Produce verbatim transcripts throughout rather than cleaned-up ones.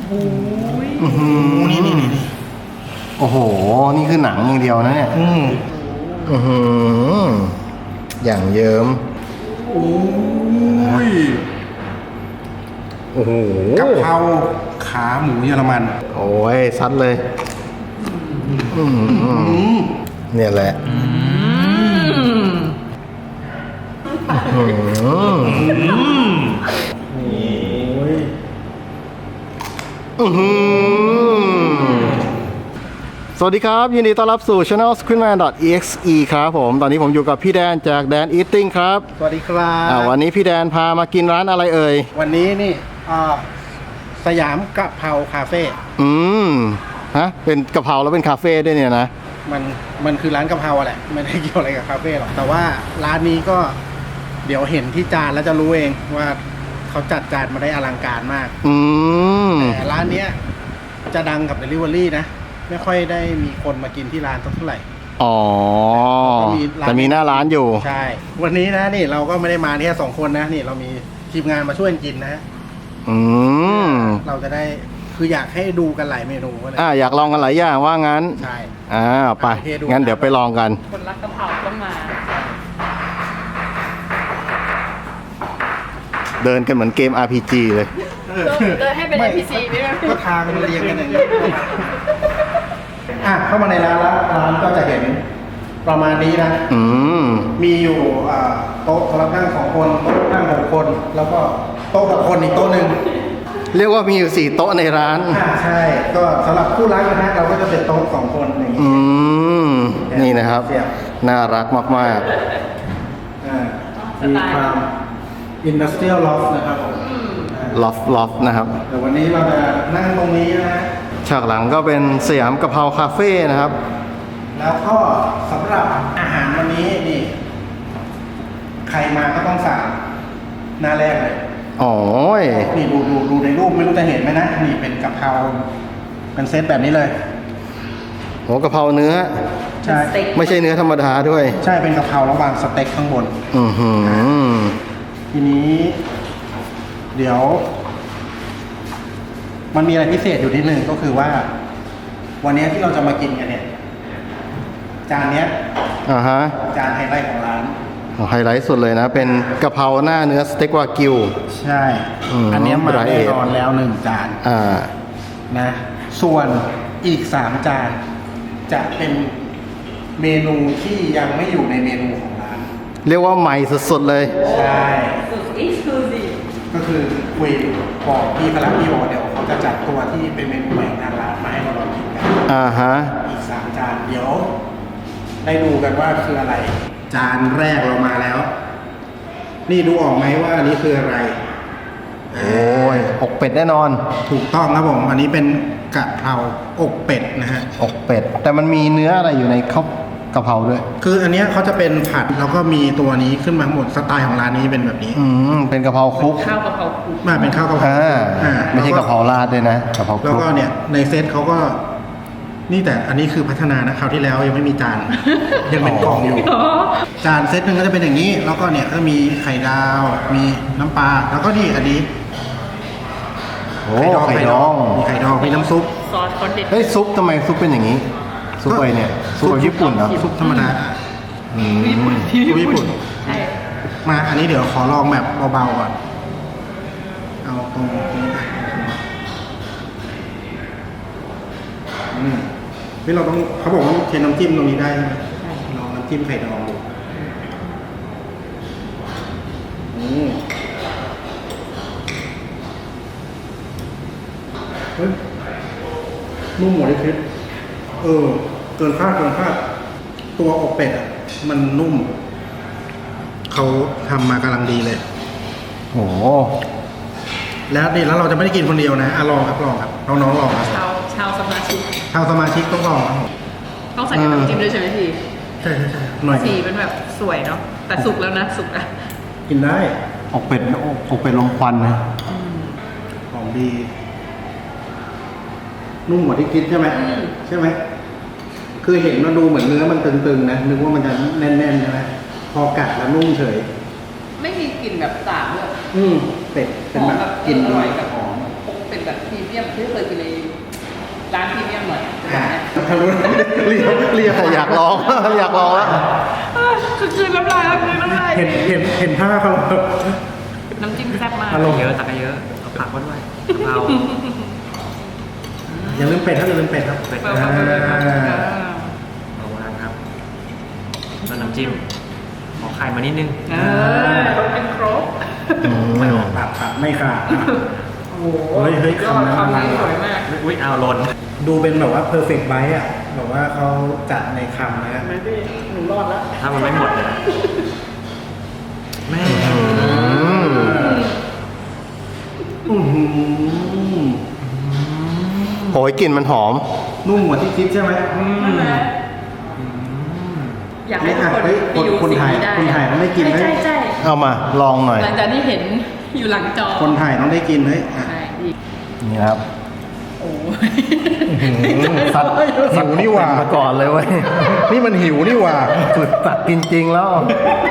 โอ้ยอื้อหือนี่นี่นี่โอ้โหนี่คือหนังอย่างเดียวนะเนี่ยอืมอือหืออย่างเยิ้มโอ้ยโอ้โหกะเพราขาหมูเยอรมันโอ้ยซัดเลยอืมเนี่ยแหละอืม อื้อหือสวัสดีครับ ยินดีต้อนรับสู่ Channel Screenman ดอท อี เอ็กซ์ อี ครับผม ตอนนี้ผมอยู่กับพี่แดนจากแดน Eating ครับสวัสดีครับอ่าวันนี้พี่แดนพามากินร้านอะไรเอ่ยวันนี้นี่อ่าสยามกะเพราคาเฟ่อืมฮะเป็นกะเพราแล้วเป็นคาเฟ่ด้วยเนี่ยนะมันมันคือร้านกะเพราแหละไม่ได้เกี่ยวอะไรกับคาเฟ่หรอกแต่ว่าร้านนี้ก็เดี๋ยวเห็นที่จานแล้วจะรู้เองว่าเขาจัดจานมาได้อลังการมากอืมแต่ร้านเนี้ยจะดังกับ Delivery นะไม่ค่อยได้มีคนมากินที่ร้านสักเท่าไหร่อ๋อก็มีร้านแต่มีหน้าร้านอยู่ใช่ วันนี้นะนี่เราก็ไม่ได้มาแค่สองคนนะนี่เรามีทีมงานมาช่วยกินนะอืมเราจะได้คืออยากให้ดูกันหลายเมนูก็เลยอ่าอยากลองกันหลายอย่างว่างั้นใช่อ่าไปโอเคดูงั้นเดี๋ยวไปลองกันคนรักกะเพราต้องมาเดินกันเหมือนเกม อาร์ พี จี เลยเดินให้เป็นไม่เอ็น พี ซี ไม่ได้ก็ทางมันเรียงกันอย่างนี้อ่ะเข้ามาในร้านแล้วร้านก็จะเห็นประมาณนี้นะอืมมีอยู่อ่าโต๊ะสำหรับนั่งสองคนโต๊ะนั่งหกคน แล้วก็โต๊ะหกคนอีกโต๊ะหนึ่งเรียกว่ามีอยู่สี่โต๊ะในร้านอ่าใช่ ก็สำหรับคู่รักนะฮะเราก็จะเป็นโต๊ะสองคนอย่างนี้อืม นี่นะครับเสียบน่ารักมากอ่ามีความอินดัสเทรียลล็อกนะครับผมๆ ล็อฟล็อฟนะครับแต่วันนี้เราจะนั่งตรงนี้นะฮะฉากหลังก็เป็นสยามกะเพราคาเฟ่นะครับแล้วก็สำหรับอาหารวันนี้นี่ ใครมาก็ต้องสั่งหน้าแรกเลยอ๋อนี่ดูดูดูในรูปไม่รู้จะเห็นไหมนะ นี่เป็นกะเพราเป็นเซตแบบนี้เลยหัวกะเพราเนื้อใช่ไม่ใช่เนื้อธรรมดาด้วยใช่เป็นกะเพราแล้ววางสเต็กข้างบนอือหือทีนี้ เดี๋ยว มันมีอะไรพิเศษอยู่นิดนึงก็คือว่า วันนี้ที่เราจะมากินกันเนี่ย จานเนี้ยอ่าฮะจานไฮไลท์ของร้านไฮไลท์สุดเลยนะ เป็นกะเพราหน้าเนื้อสเต็กวากิวใช่อืมอันเนี้ยมาไรเอแน่ทนอนแล้วหนึ่งจานอ่านะ ส่วนอีกสามจาน จะเป็นเมนูที่ยังไม่อยู่ในเมนูของร้านเรียกว่าใหม่สุดๆเลยใช่สุดเอ็กซ์คลูซีฟก็คือคุยบอกพี่พลักพี่บอกเดี๋ยวเขาจะจัดตัวที่เป็นเมนูใหม่ของทางร้านมาให้เราลองกินกันอ่าฮะอีกสามจานเดี๋ยว ได้ดูกันว่าคืออะไร จานแรกเรามาแล้ว นี่ดูออกไหมว่าอันนี้คืออะไรโอ้ยอกเป็ดแน่นอนถูกต้องครับผม อันนี้เป็นกะเพราอกเป็ดนะฮะอกเป็ด แต่มันมีเนื้ออะไรอยู่ในข้าวกะเพราด้วยคืออันเนี้ยเขาจะเป็นผัดแล้วก็มีตัวนี้ขึ้นมาทั้งหมดสไตล์ของร้านนี้เป็นแบบนี้อืม เป็นกะเพราคลุกข้าวกะเพราคลุกมาเป็นข้าวกะเพราอ่าอ่าไม่ใช่กะเพราราดด้วยนะกะเพราคแล้วลุกก็เนี่ยในเซตเขาก็ นี่แต่อันนี้คือพัฒนานะคราวที่แล้วยังไม่มีจาน ยังเป็นกล่องอยู่ จานเซตหนึ่งก็จะเป็นอย่างนี้ แล้วก็เนี่ยก็มีไข่ดาว มีน้ำปลา แล้วก็นี่อันนี้โอ้ไข่ดองมีไข่ดอง มีน้ำซุปซอสเขาเด็ดเฮ้ยซุปทำไมซุปเป็นอย่างนี้ ซุปอะไรเนี่ย ซุปแบบญี่ปุ่นเหรอซุปธรรมดาอืมซุปญี่ปุ่นใช่มา อันนี้เดี๋ยวขอลองแบบเบาๆก่อน เอาตรงนี้ไปอืมนี่เราต้องเขาบอกว่าเทน้ำจิ้มตรงนี้ได้ใช่ไหมลองน้ำจิ้มไข่ดองดูอืมเฮ้ยนุ่มหมดเลยคิดเออ เกินคาดเกินคาดตัวอกเป็ดอ่ะ มันนุ่ม เขาทำมากำลังดีเลยโอ้แล้วนี่แล้วเราจะไม่ได้กินคนเดียวนะอ่ะลองครับลองครับน้องๆลองครับชาวชาวสมาชิกชาวสมาชิกต้องลองครับผมต้องใส่กับน้ำจิ้มด้วยใช่ไหมพี่ใช่ใช่ใช่หน่อยสีเป็นแบบสวยเนาะแต่สุกแล้วนะสุกอะกินได้อกเป็ดอกอกเป็ดลมควันนะของดี นุ่มกว่าที่คิดใช่ไหมใช่ไหมคือเห็นมันดูเหมือนเนื้อมันตึงๆนะนึกว่ามันจะแน่นๆใช่ไหมพอกัดแล้วนุ่มเฉยไม่มีกลิ่นแบบสาบเลยอืมเป็ดเป็นแบบหอมกลิ่นอดีร่อยแบบหอมเป็นแบบพรีเมียมที่เคยกินในร้านพรีเมียมหน่อยแบบเนี้ยทางนู้นเรียกเรียกอยากลอง อยากลองแล้วคือคืนน้ำลายแล้วคืนน้ำลายเห็นเห็นเห็นผ้าเขาน้ำจิ้มแซ่บมากอารมณ์เยอะตักเยอะเอาผักมาด้วยกะเพราอย่าลืมเป็ดครับอย่าลืมเป็ดครับเป็ดเปิดมาเลยครับเอาวางครับแล้วน้ำจิ้มขอไข่มานิดนึงเออต้องเป็นครบไม่ออกปากครับไม่ขาดโอ้โหเฮ้ยเฮ้ยยอดคำนั้นคำนี้สวยมากอุ้ยเอาหล่นดูเป็นแบบว่า perfect bite อ่ะแบบว่าเขาจัดในคำนะฮะไม่ได้หนูรอดแล้วถ้ามันไม่หมดเลยนะแม่อื้อหือโหยกลิ่นมันหอมนุ่มกว่าที่คิดใช่ไหมอืมใช่ไหมอยากให้ทุกคนเฮ้ยไปดูคนสิ่งถ่ายนี้ได้คนถ่ายต้องได้กินไหมใช่ใช่เอามาลองหน่อยหลังจากที่เห็นอยู่หลังจอคนถ่ายต้องได้กินเฮ้ยอ่ะใช่อีกนี่ครับโอ้สัตว์หิวนี่หว่ามาก่อนเลยเว้ยนี่มันหิวนี่หว่าสุดตักจริงๆแล้ว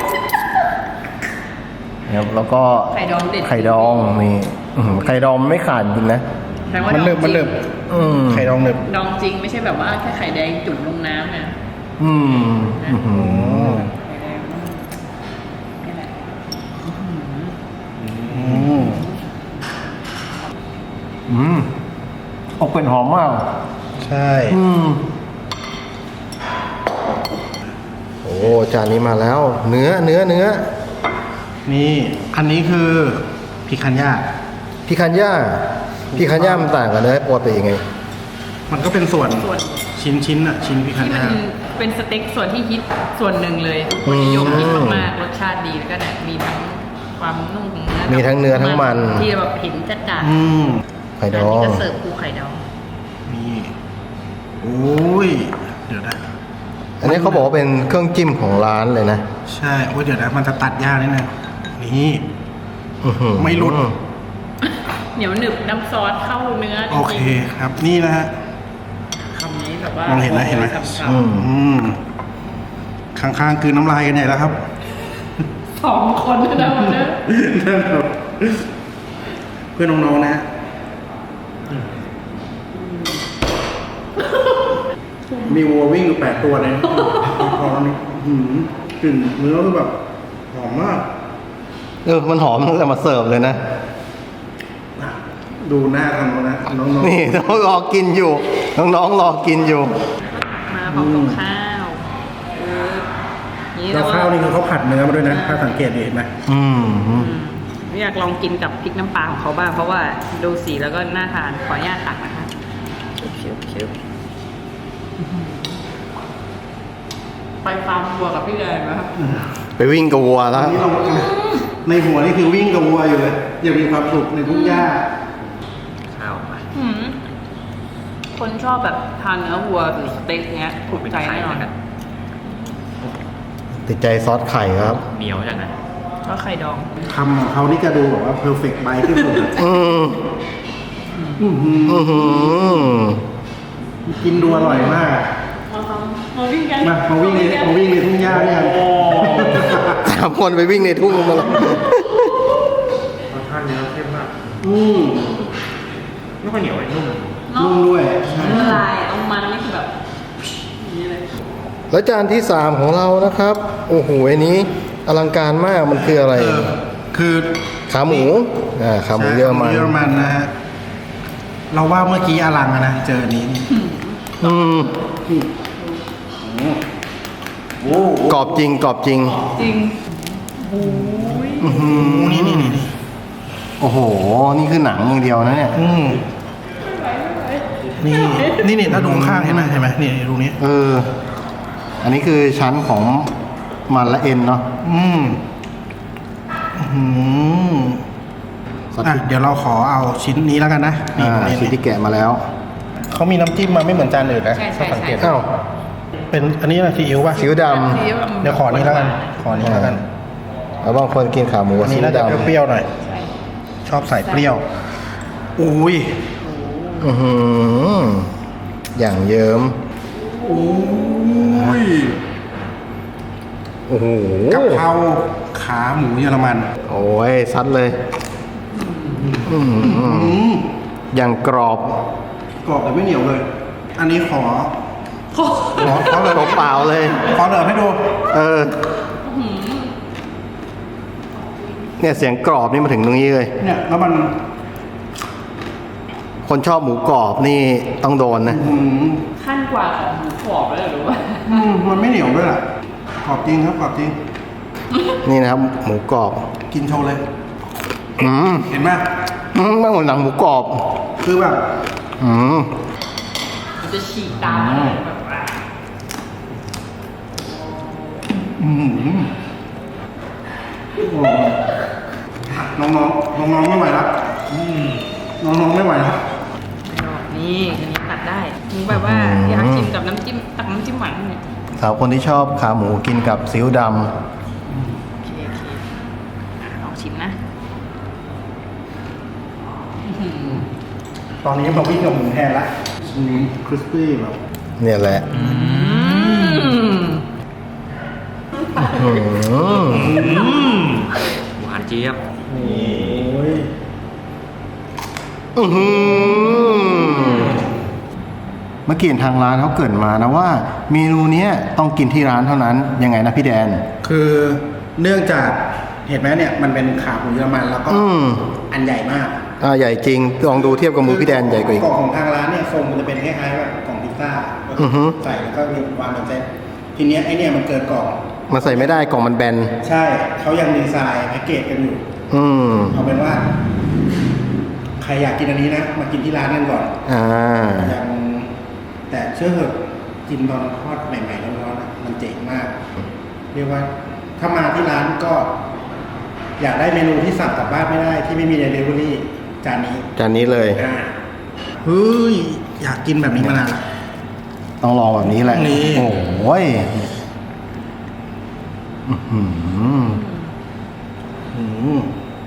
ครับแล้วก็ไข่ดองเด็ดไข่ดองนี่อื้อหือไข่ดองไม่ขาดจริงนะแปลว่ามันดเนิอบ งมันจริเนิงบอืมไข่ดองเนิบดองจริงไม่ใช่แบบว่าแค่ไข่แดงจุ่มลงน้ำนะอืมอื้อหือไข่แดงนี่แหละอืมอืมอกเป็นหอมมากใช่อืมโอ้จานนี้มาแล้ว เนื้อเนื้อเนื้อนี่อันนี้คือพิคันย่าพี่คันย่าพี่คันย่ามันต่างกันเนื้อปกติยังไงมันก็เป็นส่วนส่วนชิ้นชิ้นๆอ่ะชิ้นพิคันที่มันย่าเป็นสเต็กส่วนที่ฮิตส่วนหนึ่งเลยคนนิยมฮิตมากๆรสชาติดีแล้วก็เนี่ยมีทั้งความนุ่มของเนื้อมีทั้งเนื้อทั้งมันที่แบบเห็นจัดจ้านอืมไข่อัดนอนี้งก็เสิร์ฟคู่ไข่ดองนี่โอ้ยเดี๋ยวนะอันนี้เขาบอกว่าเป็นเครื่องจิ้มของร้านเลยนะใช่โอ้ยเดี๋ยวนะมันจะตัดยากนิดนึงนี่อื้อหือไม่หลุดเหนียวหนึบน้ำซอสเข้าเนื้อจริงๆโอเคครับนี่นะฮะคำนี้แบบว่ามองเห็นไหมเห็นไหมฉ่ำอืมอืมข้างๆคือน้ำลายกันใหญ่แล้วครับๆสองคนนะวันนี้นั่นครับเพื่อนน้องๆนะฮะมีวัววิ่งอยู่แปดตัวเลยพอแล้วนี่อื้อหือกลิ่นเนื้อคือแบบหอมมากเออมันหอมตั้งแต่มาเสิร์ฟเลยนะดูหน้าทางโน้นนะน้องๆนี่น้องรอกินอยู่ น้องๆรอกินอยู่มาพร้อมกับข้าวเออนี่แล้วข้าวนี่คือเขาผัดเนื้อมาด้วยนะถ้าสังเกตดีเห็นไหมอืมอืมอยากลองกินกับพริกน้ำปลาของเขาบ้างเพราะว่าดูสีแล้วก็น่าทานขออนุญาตตักนะคะชิวๆชิวๆไปฟาร์มวัวกับพี่แดงนะครับไปวิ่งกับวัวตแล้อวนนี้เราในหัวนี่คือวิ่งกับวัวอยู่เลยยังมีความสุขในทุ่งหญ้าข้าวมาอืมคนชอบแบบทานเนื้อวัวหรือสเต็กเนี้ยถูกใจแน่นอนกันติดใจซอสไข่ครับเหนียวจังนะก็ไข่ดองคำของเขานี่จะดูแบบว่า perfect bite ที่สุดอะอืมอื้อหืออือหือกินดูอร่อยมากมามาวิ่งกันมามาวิ่งในมาวิ่งในทุ่งหญ้าด้วยกันสามคนไปวิ่งในทุ่งมาแล้วรสชาติเนื้อเข้มมากอืมไม่ค่อยเหนียวไอ้นุ่มนุ่มด้วยใช่ละลายเอามันนี่คือแบบอย่างนี้เลยแล้วจานที่สามของเรานะครับ โอ้โหอันนี้อลังการมากมันคืออะไรเออคือขาหมูอ่าขาหมูเยอรมันเยอรมันนะฮะเราว่าเมื่อกี้อลังอะนะเจออันนี้นี่อืมโอ้โหกรอบจริงกรอบจริงจริงโอ้ยอื้อหือนี่นี่นี่นี่โอ้โห นี่คือหนังอย่างเดียวนะเนี่ยอืมนี่นี่นี่ถ้าดูข้างๆเห็นไหมเห็นไหมนี่ตรงนี้เออ อันนี้คือชั้นของมันและเอ็นเนาะอืมอืมซอสอ่ะพริกเดี๋ยวเราขอเอาชิ้นนี้แล้วกันนะนี่อ่าตรงนี้ชิ้นที่แกะมาแล้วเขามีน้ำจิ้มมาไม่เหมือนจานอื่นนะใช่ใช่ถ้าสังเกตใช่อ้าวเป็นอันนี้อะไรซีอิ๊วป่ะซีอิ๊วดซีอิ๊วเดี๋ยวขอนี้แล้วกัน ขอนี้แล้วกันำแล้วบางคนกินขาหมูอักับนซีนี้อิ๊น่าว จะดำเปรี้ยวๆหน่อยใช่ชอบใส่เปรี้ยว อุ้ยอือหืออย่างเยิ้มอุ้ยโอ้โหกะเพราขาหมูเยอรมันโอ้ยซัดเลยอืมอืมอย่างกรอบกรอบแต่ไม่เหนียวเลย อันนี้ขอโอ้ขอขอเลยเปล่าๆเลยขอเหลือให้ดูเออ เนี่ยเสียงกรอบนี่มาถึงตรงนี้เลยเนี่ยแล้วมันคนชอบหมูกรอบนี่ต้องโดนนะอืมขั้นกว่าของหมูกรอบเลยหรือว่าอืมมันไม่เหนียวด้วยล่ะกรอบจริงครับกรอบจริงนี่นะครับ หมูกรอบกินโชว์เลยอืมเห็นไหมอืมไม่เหมือนหนังหมูกรอบคือแบบอืมมันจะฉีกตามมาเลยแบบว่าอืมโอ้น้องๆน้องๆไม่ไหวแล้วอืมน้องๆไม่ไหวแล้วนี่อันนี้ตัดได้นี่แบบว่าอยากชิมกับน้ำจิ้มตักน้ำจิ้มหวานเนี่ยสาวคนที่ชอบขาหมูกินกับซีอิ๊วดโอเคโอเคอ่ะลองชิมนะอื้อหือตอนนี้มาวิ่งกับหมูแทนละอืมคริสปี้แบบำเนี่ยแหละอืมอืมหวานเจี๊ยบโอ้ยอื้อหือเมื่อกี้เห็นทางร้านเขาเกริดมานะว่า เมนูเนี้ยต้องกินที่ร้านเท่านั้นยังไงนะพี่แดนคือเนื่องจากเห็นไหมเนี่ยมันเป็นขาหมูเยอรมันแล้วก็อืมอันใหญ่มากอ่าใหญ่จริง ลองดูเทียบกับมือพี่แดนใหญ่กว่าอีกกล่องของทางร้านเนี่ยทรงมันจะเป็นคล้ายๆแบบกล่องพิซซ่าอือฮึใส่แล้วก็มีวางบนเซ็ตทีเนี้ยไอเนี่ยมันเกินกล่องมันใส่ไม่ได้กล่องมันแบนใช่เขายังดีไซน์แพ็กเกจกันอยู่อืมเอาเป็นว่า ใครอยากกินอันนี้นะ มากินที่ร้านกันก่อนอ่ายังแต่เชื่อเถอะกินตอนทอดใหม่ๆร้อนๆอะมันเจ๋งมาก เรียกว่า ถ้ามาที่ร้านก็ อยากได้เมนูที่สั่งกลับบ้านไม่ได้ ที่ไม่มีเดลิเวอรี่จานนี้จานนี้เลยอ่าเฮ้ยอยากกินแบบนี้มานานละต้องลองแบบนี้แหละนี่โอ้ยอื้อหืออืม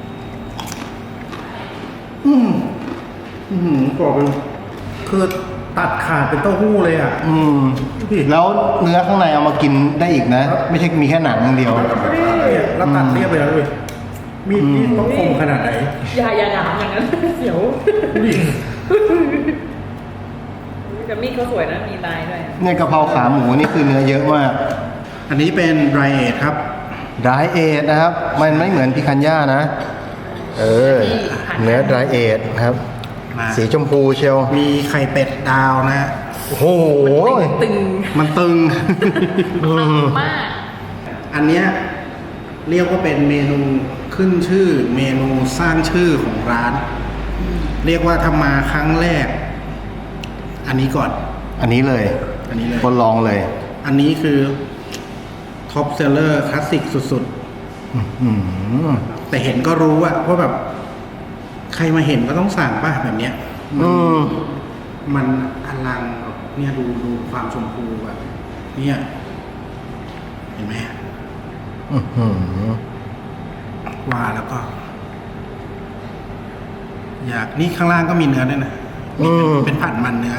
อืมอืมกรอบเลยคือตัดขาดเป็นเต้าหู้เลยอ่ะอืมแล้วเนื้อข้างในเอามากินได้อีกนะ ไม่ใช่มีแค่หนังอย่างเดียวเนี่ยแล้วตัดเรียบไปแล้วเลยมีดนี่ต้องคมขนาดไหนอย่าอย่าหนามอย่างนั้นเสียวดูดิแต่มีดเขาสวยนะมีลายด้วยอะเนี่ยกะเพราขาหมูนี่คือเนื้อเยอะมากอันนี้เป็นไดรเอทครับดรายเอทนะครับ มันไม่เหมือนพิคันย่านะ เออ เนื้อดรายเอทนะครับมาสีชมพูเชียวมีไข่เป็ดดาวนะฮะโอ้โหตึงมันตึงอืมมากอันเนี้ยเรียกว่าเป็นเมนูขึ้นชื่อ เมนูสร้างชื่อของร้าน เรียกว่าทำมาครั้งแรก อันนี้ก่อนอันนี้เลยอันนี้เลยคนลองเลยอันนี้คือท็อปเซลเลอร์คลาสสิกสุดอืมๆ แต่เห็นก็รู้อะว่าแบบ ใครมาเห็นก็ต้องสั่งป่ะแบบเนี้ยอืมมันอลังแบบเนี่ยดูดูความชมพูแบบเนี่ยเห็นไหมอื้อหือว่าแล้วก็ อยากนี่ข้างล่างก็มีเนื้อด้วยนะอืมเป็นผัดมันเนื้อ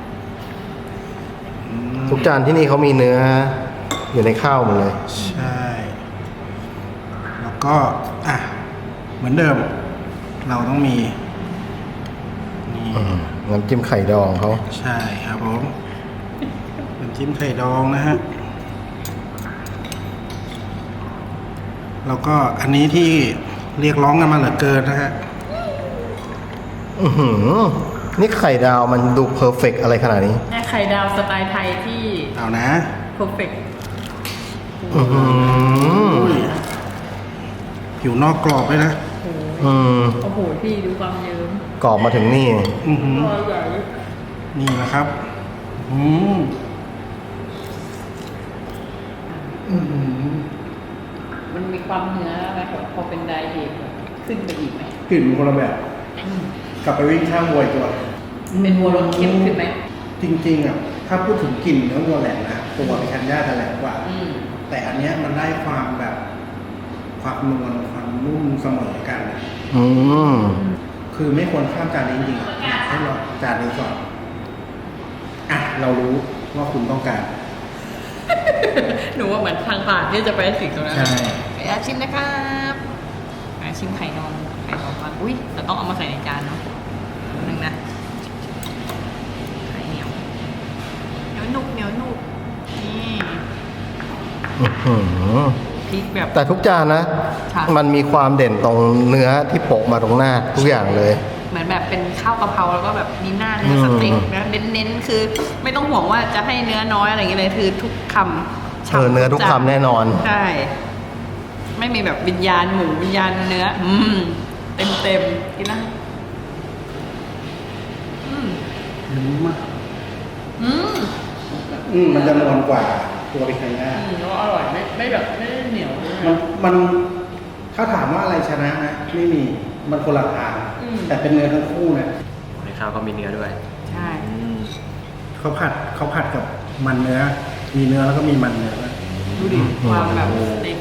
อืมทุกจานที่นี่เขามีเนื้อ อยู่ในข้าวหมดเลยใช่ แล้วก็ อ่ะ เหมือนเดิม เราต้องมี นี่อืมน้ำจิ้มไข่ดองเขาใช่ครับผมน้ำจิ้มไข่ดองนะฮะ แล้วก็อันนี้ที่เรียกร้องกันมาเหลือเกินนะฮะอือหือ นี่ไข่ดาวมันดูเพอร์เฟกอะไรขนาดนี้แม่ไข่ดาวสไตล์ไทยที่เอานะเพอร์เฟกต์อือหืออุ้ยผิวนอกกรอบเลยนะอืมโอ้โหพี่ดูความเยิ้มกรอบมาถึงนี่อือหือตัวใหญ่นี่นะครับ อืมอืมมันมีความเนื้ออะไรของพอเป็นไดเอทขึ้นไปอีกไหมกลิ่นมันคนละแบบ กลับไปวิ่งข้างวัวอีกตัวเป็นวัวรสเข้มขึ้นไหมจริงๆอ่ะ ถ้าพูดถึงกลิ่นเนื้อวัวแหลมนะตัวพิคันย่าจะแหลมกว่าอืมแต่อันเนี้ยมันได้ความแบบ ความนวลความนุ่มเสมอกันอะอืมคือไม่ควรข้ามจานนี้จริงๆอยากให้เราจานนี้ก่อน อ่ะ เรารู้ว่าคุณต้องการหนูว่าเหมือนทางผ่านที่จะไปถึงตรงนั้นใช่ไปอาชิมนะครับอาชิมไข่นอนไข่นอนก่อนอุ้ยแต่ต้องเอามาใส่ในจานเนาะนึงงนะไข่เหนียวเหนียวหนุบเหนียวหนุบนี่อื้อหือพริกแบบแต่ทุกจานนะค่ะมันมีความเด่นตรงเนื้อที่โปะมาตรงหน้าทุกอย่างเลยเหมือนแบบเป็นข้าวกะเพราแล้วก็แบบมีหน้าเนื้อสเต็กนะเน้นๆคือไม่ต้องห่วงว่าจะให้เนื้อน้อยอะไรอย่างเงี้ยเลยคือทุกคำเออเนื้อทุกคำแน่นอนใช่ไม่มีแบบวิญญาณหมูวิญญาณเนื้อ อืมเต็มเต็มๆกินนะอืมนุ่มมากอืมอืมมันจะนวลกว่าตัวปิคันย่าอืมแล้วอร่อยไม่ไม่แบบไม่ได้เหนียวเลยมันมันถ้าถามว่าอะไรชนะนะไม่มีมันคนละทางอืมแต่เป็นเนื้อทั้งคู่นะในข้าวก็มีเนื้อด้วยใช่เขาผัดเขาผัดกับมันเนื้อ มีเนื้อแล้วก็มีมันเนื้อด้วยดูดิความแบบสเต็ก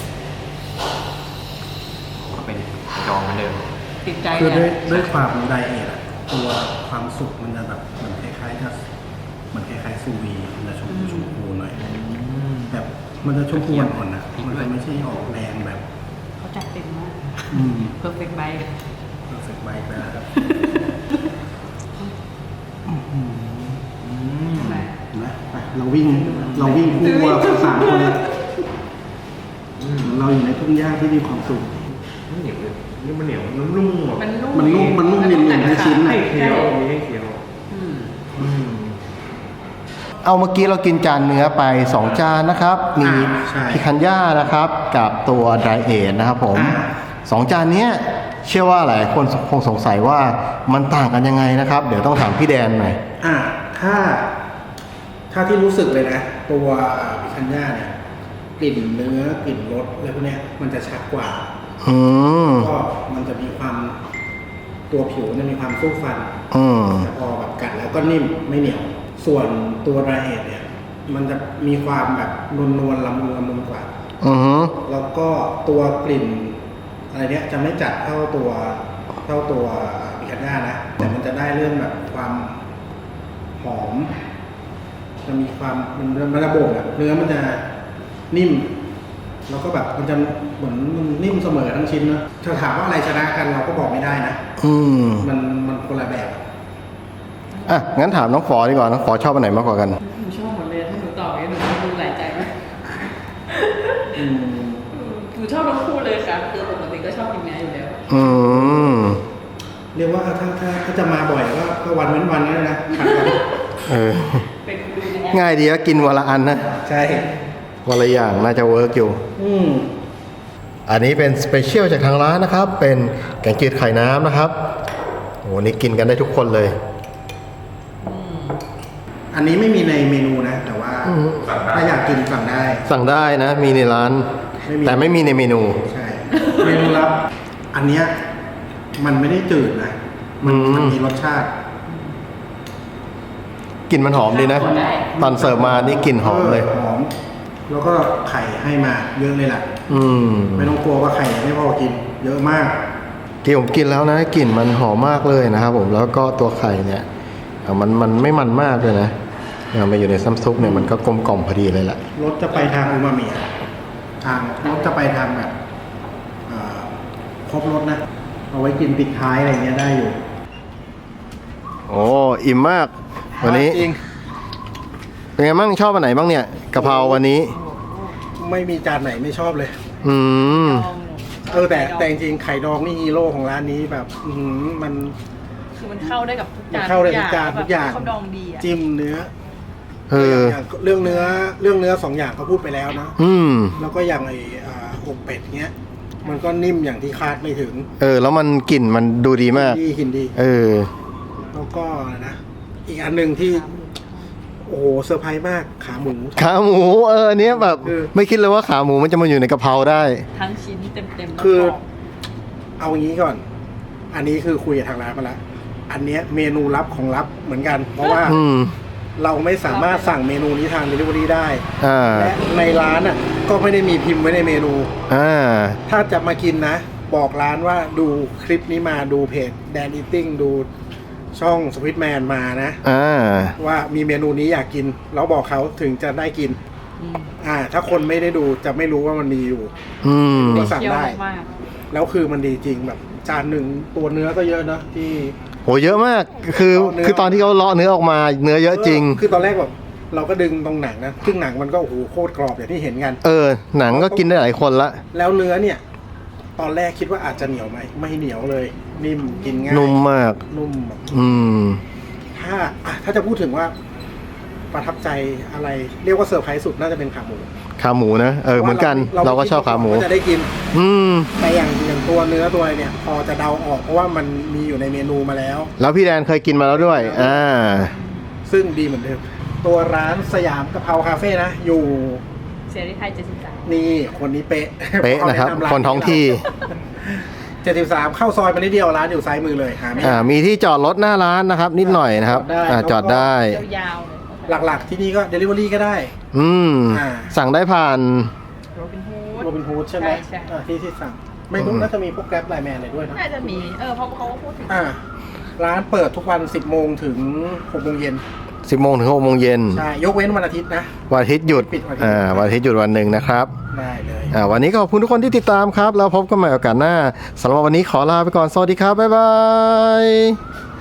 ก็เป็นดองเหมือนเดิมติดใจคือเนี่ด้วยยด้วยความไดเอทอะตัวความสุกมันจะแบบเหมือนคล้ายๆกับเหมือนคล้ายๆซูวีมันจะชมพูชมพูหน่อยแบบมันจะชมพูอ่อนๆนะมันจะไม่ใช่ออกแดงแบบเขาจัดเต็มมากอืมเพอร์เฟกต์ไบต์รู้สึกไวไปแล้วครับใช่ไหมนะไปเราวิ่งเราวิ่งคู่วัวกันสามคนเลยเราอยู่ในทุ่งหญ้าที่มีความสุขมันเหนียวเลยนี่มันเหนียวมันนุ่มๆอ่ะมันนุ่มมันนุ่มมันนุ่มเนียนๆในชิ้นให้น่ะเคี้ยวมีให้เคี้ยวอืมอืมเอาเมื่อกี้เรากินจานเนื้อไปสองจานนะครับ มีอ่าใช่พิคันย่านะครับ กับตัวไดเอทนะครับผมอ่าสองจานเนี้ยเชื่อว่าหลายคนคงสงสัยว่ามันต่างกันยังไงนะครับ เดี๋ยวต้องถามพี่แดนหน่อยอ่ะถ้า ถ้าที่รู้สึกเลยนะ ตัวพิคันย่าเนี่ยกลิ่นเนื้อกลิ่นรสอะไรพวกเนี้ยมันจะชัดกว่าอืมก็มันจะมีความตัวผิวจะมีความสู้ฟันอืมแต่พอแบบกัดแล้วก็นิ่มไม่เหนียว ส่วนตัวไดเอทเนี่ย มันจะมีความแบบนวลนวลๆละมุนละมุนกว่าอือฮึแล้วก็ตัวกลิ่นอะไรเนี้ยจะไม่จัดเท่าตัวเท่าตัวพิคันย่านะ แต่มันจะได้เรื่องแบบความหอม จะมีความมันมันระบบอะเนื้อมันจะนิ่ม แล้วก็แบบมันจะเหมือนมันนิ่มเสมอทั้งชิ้นเนอะถ้าถามว่าอะไรชนะกันเราก็บอกไม่ได้นะอืมมันมันคนละแบบอ่ะ งั้นถามน้องฝอดีกว่า น้องฝอชอบอันไหนมากกว่ากันหนูชอบหมดเลยถ้าหนูตอบอย่างนี้หนูดูหลายใจไหมอืมหนูชอบทั้งคู่เลยค่ะคือปกติก็ชอบกินเนื้ออยู่แล้วอืมเรียกว่าถ้าถ้าถ้าจะมาบ่อยก็ก็วันเว้นวันนั่นนะผัดกันเออเป็นดูในแอปง่ายดีก็กินวันละอันนะใช่วันละอย่างน่าจะเวิร์กอยู่อืมอันนี้เป็นสเปเชียลจากทางร้านนะครับ เป็นแกงจืดไข่น้ำนะครับโอ้โหนี่กินกันได้ทุกคนเลยอันนี้ไม่มีในเมนูนะ แต่ว่าอืมถ้าอยากกินสั่งได้สั่งได้นะ มีในร้านไม่มีแต่ไม่มีในเมนูใช่ เมนูลับ อันเนี้ยมันไม่ได้จืดนะ มันอืมมันมีรสชาติกลิ่นมันหอมดีนะ ตอนเสิร์ฟมานี่กลิ่นหอมเลยหอม แล้วก็ไข่ให้มาเยอะเลยแหละอืมไม่ต้องกลัวว่าไข่ไม่พอกิน เยอะมากที่ผมกินแล้วนะกลิ่นมันหอมมากเลยนะครับผมแล้วก็ตัวไข่เนี่ยอ่ะมันมันไม่มันมากเลยนะเอามาอยู่ในซ้ำซุปเนี่ยมันก็กลมกล่อมพอดีเลยแหละรสจะไปทางอูมามิอะทางรสจะไปทางแบบเอ่อครบรสนะ เอาไว้กินปิดท้ายอะไรเงี้ยได้อยู่โอ้อิ่มมากวันนี้จริงเป็นไงบ้างชอบอันไหนบ้างเนี่ยกะเพราวันนี้ไม่มีจานไหนไม่ชอบเลยอืมเออแต่แต่จริงๆไข่ดองนี่ฮีโร่ของร้านนี้แบบ อือหือมันคือมันเข้าได้กับทุกจานมันเข้าได้ทุกจานทุกอย่างเขาดองดีอ่ะจิ้มเนื้อเอออย่างเรื่องเนื้อเรื่องเนื้อสองอย่างก็พูดไปแล้วนะอืมแล้วก็อย่างไอ้อ่าอกเป็ดเงี้ย มันก็นิ่มอย่างที่คาดไม่ถึงเออ แล้วมันกลิ่นมันดูดีมากดีกินดีเออแล้วก็อะไรนะ อีกอันหนึ่งที่ โอ้โหเซอร์ไพรส์มากขาหมูขาหมูเอออันเนี้ยแบบเออไม่คิดเลยว่าขาหมูมันจะมาอยู่ในกะเพราได้ทั้งชิ้นเต็มๆแล้วคือกรบเอางี้ก่อน อันนี้คือคุยกับทางร้านมาแล้ว อันเนี้ยเมนูลับของลับเหมือนกัน เพราะว่าอืมเราไม่สามารถสั่งเมนูนี้ทาง Delivery ได้อ่าและในร้านอ่ะก็ไม่ได้มีพิมพ์ไว้ในเมนูอ่าถ้าจะมากินนะ บอกร้านว่าดูคลิปนี้มาดูเพจแดนอีติ้งดูช่องสวิตแมนมานะอ่าว่ามีเมนูนี้อยากกิน แล้วบอกเขาถึงจะได้กินอืมอ่า ถ้าคนไม่ได้ดูจะไม่รู้ว่ามันมีอยู่อืมก็สั่งเคี่ยวได้มากแล้วคือมันดีจริงแบบจานหนึ่งตัวเนื้อก็เยอะนะที่โหเยอะมากคือเลาะเนื้อคือตอนที่เขาเลาะเนื้อออกมาเนื้อเยอะจริงคือตอนแรกแบบเราก็ดึงตรงหนังนะซึ่งหนังมันก็โอ้โหโคตรกรอบอย่างที่เห็นกันเออ หนังก็กินได้หลายคนละแล้วเนื้อเนี่ย ตอนแรกคิดว่าอาจจะเหนียวไหมไม่เหนียวเลย นิ่มกินง่ายนุ่มมากนุ่มแบบอืมถ้าอ่ะถ้าจะพูดถึงว่าประทับใจอะไร เรียกว่าเซอร์ไพรส์สุดน่าจะเป็นขาหมูขาหมูนะเออเหมือนกันเราก็ชอบขาหมูว่าจะได้กินอืมแต่อย่างอย่างตัวเนื้อตัวอะไรเนี่ย พอจะเดาออกเพราะว่ามันมีอยู่ในเมนูมาแล้วแล้วพี่แดนเคยกินมาแล้วด้วย อ่าซึ่งดีเหมือนเดิม ตัวร้านสยามกะเพราคาเฟ่นะ อยู่เสียรีไทยเจ็ดสิบสามนี่คนนี้เป๊ะเป๊ะนะครับขาแำาคนท้องที่เจ็ดสิบสามเข้าซอยมานิดเดียวร้านอยู่ซ้ายมือเลยหาไม่อ่ายากมีที่จอดรถหน้าร้านนะครับ นิดหน่อยนะครับจอดได้อ่า จอดได้ยาวๆเลยหลักๆที่นี่ก็ Delivery ก็ได้อืมอ่าสั่งได้ผ่านโรบินฮูดโรบินฮูดใช่ไหมใช่ใช่อ่าที่ที่สั่ง ไม่รู้น่าจะมีพวกแกร็บไลน์แมนอะไรด้วยนะน่าจะมี เออเพราะเขาก็พูดถึงอ่า ร้านเปิดทุกวัน สิบโมงถึงหกโมงเย็นสิบโมงถึงหกโมงเย็นใช่ ยกเว้นวันอาทิตย์นะวันอาทิตย์หยุดปิดวันอาทิตย์อ่า วันอาทิตย์หยุดวันหนึ่งนะครับได้เลยอ่า วันนี้ก็ขอบคุณทุกคนที่ติดตามครับ แล้วพบกันใหม่โอกาสหน้าสำหรับวันนี้ขอลาไปก่อน สวัสดีครับ บ๊ายบาย